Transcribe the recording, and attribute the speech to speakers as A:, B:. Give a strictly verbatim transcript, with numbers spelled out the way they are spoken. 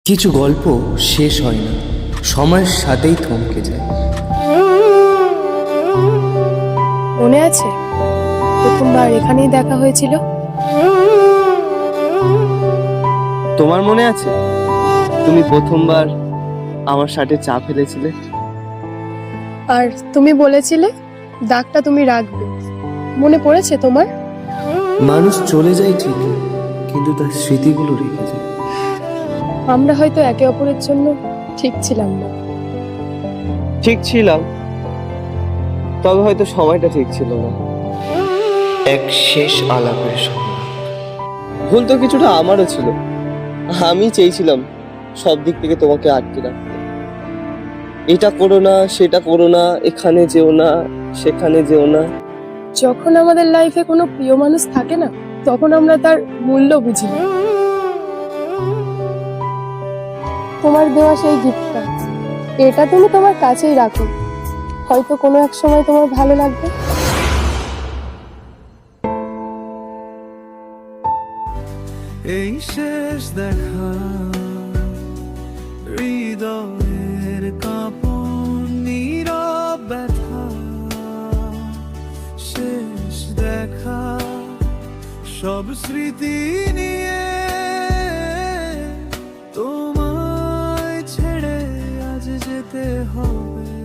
A: কিছু গল্প শেষ হয় না, সময়ের সাথেই থমকে যায়।
B: মনে আছে প্রথমবার এখানেই দেখা হয়েছিল?
C: তোমার মনে আছে তুমি প্রথমবার আমার শার্টে চা ফেলেছিলে?
B: আর তুমি বলেছিলে দাগটা তুমি রাখবে, মনে পড়েছে তোমার?
A: মানুষ চলে যায় ঠিকই, কিন্তু তার স্মৃতিগুলো রেখে যায়।
B: আমরা হয়তো একে অপরের জন্য ঠিক ছিলাম না।
C: ঠিক ছিলাম, তবে হয়তো সময়টা ঠিক ছিল না।
A: এক শেষ আলাপের সময়
C: ভুল তো কিছুটা আমারও ছিল। আমি চেয়েছিলাম সব দিক থেকে তোমাকে আটকে রাখতে। এটা করো না, সেটা করো না, এখানে যেও না, সেখানে যেও না।
B: যখন আমাদের লাইফে কোনো প্রিয় মানুষ থাকে না, তখন আমরা তার মূল্য বুঝি না। তোমার দেওয়া সেই গিফটটা, এটা তুমি তোমার কাছেই রাখো, হয়তো কোনো এক সময় তোমার ভালো লাগবে।
D: এই শেষ দেখা, হৃদয়ের কাঁপন, নীরব ব্যথা। শেষ দেখা, সব স্মৃতি নিয়ে তোমায় ছেড়ে আজ যেতে হবে।